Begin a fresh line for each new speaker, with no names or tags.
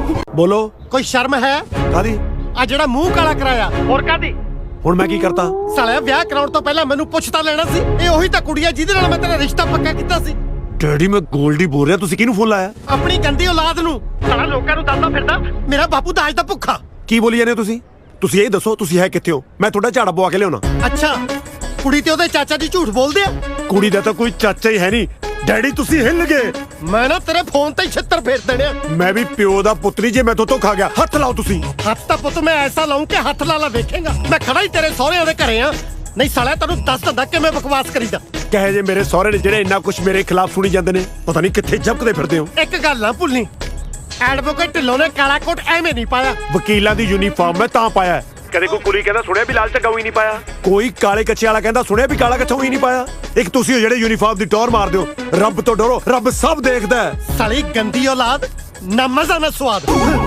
ਬੋਲੋ।
ਕੋਈ ਸ਼ਰਮ ਹੈ?
ਕਾਦੀ?
ਆ ਜਿਹੜਾ ਮੂੰਹ ਕਾਲਾ ਕਰਾਇਆ ਹੋਰ ਕਾਦੀ?
ਹੁਣ ਮੈਂ ਕੀ ਕਰਤਾ?
ਸਾਲਿਆ ਵਿਆਹ ਕਰਾਉਣ ਤੋਂ ਪਹਿਲਾਂ ਮੈਨੂੰ ਪੁੱਛ ਤਾਂ ਲੈਣਾ ਸੀ। ਇਹ ਉਹੀ ਤਾਂ ਕੁੜੀ ਆ ਜਿਹਦੇ ਨਾਲ ਮੈਂ ਤੇਰਾ ਰਿਸ਼ਤਾ ਪੱਕਾ ਕੀਤਾ ਸੀ।
ਡੈਡੀ ਮੈਂ ਗੋਲਡੀ ਬੋਲ ਰਿਹਾ, ਤੁਸੀਂ ਕਿਹਨੂੰ ਫੋਨ ਲਾਇਆ?
ਆਪਣੀ ਗੰਦੀ ਔਲਾਦ ਨੂੰ। ਸਾਲਾ ਲੋਕਾਂ ਨੂੰ ਦੱਸਦਾ ਫਿਰਦਾ ਮੇਰਾ ਬਾਪੂ ਦਾਜ ਦਾ ਭੁੱਖਾ।
ਕੀ ਬੋਲੀ ਜਾਂਦੇ ਹੋ ਤੁਸੀਂ? ਤੁਸੀਂ ਇਹ ਦੱਸੋ ਤੁਸੀਂ ਹੈ ਕਿੱਥੇ ਹੋ? ਮੈਂ ਤੁਹਾਡਾ ਝਾੜਾ ਪਵਾ ਕੇ ਲਿਆਉਣਾ।
ਅੱਛਾ, ਕੁੜੀ ਤੇ ਉਹਦੇ ਚਾਚਾ ਜੀ ਝੂਠ ਬੋਲਦੇ ਆ?
ਕੁੜੀ ਦਾ ਤਾਂ ਕੋਈ ਚਾਚਾ ਹੀ ਹੈ ਨਹੀਂ। ਡੈਡੀ ਤੁਸੀਂ ਹਿੱਲ ਗਏ।
ਮੈਂ ਨਾ ਤੇਰੇ ਫੋਨ ਤੇ 76 ਫੇਰ ਦੇਣੇ ਆ।
ਮੈਂ ਵੀ ਪਿਓ ਦਾ ਪੁੱਤ ਨਹੀਂ ਜੇ ਮੈਥੋਂ ਧੋਖਾ ਗਿਆ। ਹੱਥ ਲਾਓ ਤੁਸੀਂ।
ਹੱਥ ਤਾਂ ਪੁੱਤ ਮੈਂ ਐਸਾ ਲਾਉਂ ਕਿ ਹੱਥ ਲਾ ਵੇਖੇਗਾ। ਮੈਂ ਖੜਾ ਹੀ ਤੇਰੇ ਸਹੁਰਿਆਂ ਦੇ ਘਰੇ ਆ। ਨਹੀਂ ਸਾਲਿਆ ਤੈਨੂੰ ਦੱਸ ਦਿੰਦਾ ਕਿਵੇਂ ਬਕਵਾਸ ਕਰੀਦਾ।
ਕਹੇ ਜੇ ਮੇਰੇ ਸਹੁਰੇ ਨੇ ਜਿਹੜੇ ਇੰਨਾ ਕੁਝ ਮੇਰੇ ਖਿਲਾਫ ਸੁਣੀ ਜਾਂਦੇ ਨੇ, ਪਤਾ ਨਹੀਂ ਕਿੱਥੇ ਜਬਕਦੇ ਫਿਰਦੇ ਹੋ।
ਇੱਕ ਗੱਲ ਨਾ ਭੁੱਲਣੀ, ਐਡਵੋਕੇਟ ਢਿੱਲੋਂ ਨੇ ਕਾਲਾ ਕੋਟ ਐਵੇਂ ਨਹੀਂ ਪਾਇਆ।
ਵਕੀਲਾਂ ਦੀ ਯੂਨੀਫਾਰਮ ਮੈਂ ਤਾਂ ਪਾਇਆ। ਕਦੇ ਕੋਈ ਕੁੜੀ ਕਹਿੰਦਾ ਸੁਣਿਆ ਵੀ ਲਾਲ ਝੱਗਾ ਹੀ ਨਹੀਂ ਪਾਇਆ। ਕੋਈ ਕਾਲੇ ਕੱਛੇ ਵਾਲਾ ਕਹਿੰਦਾ ਸੁਣਿਆ ਵੀ ਕਾਲਾ ਕੱਛਾ ਹੀ ਨਹੀਂ ਪਾਇਆ। ਇੱਕ ਤੁਸੀਂ ਹੋ ਜਿਹੜੇ ਯੂਨੀਫਾਰਮ ਦੀ ਟੌਰ ਮਾਰਦੇ ਹੋ। ਰੱਬ ਤੋਂ ਡਰੋ, ਰੱਬ ਸਭ ਦੇਖਦਾ ਹੈ।
ਸਾਲੀ ਗੰਦੀ ਔਲਾਦ, ਨਾ ਮਜ਼ਾ ਨਾ ਸਵਾਦ।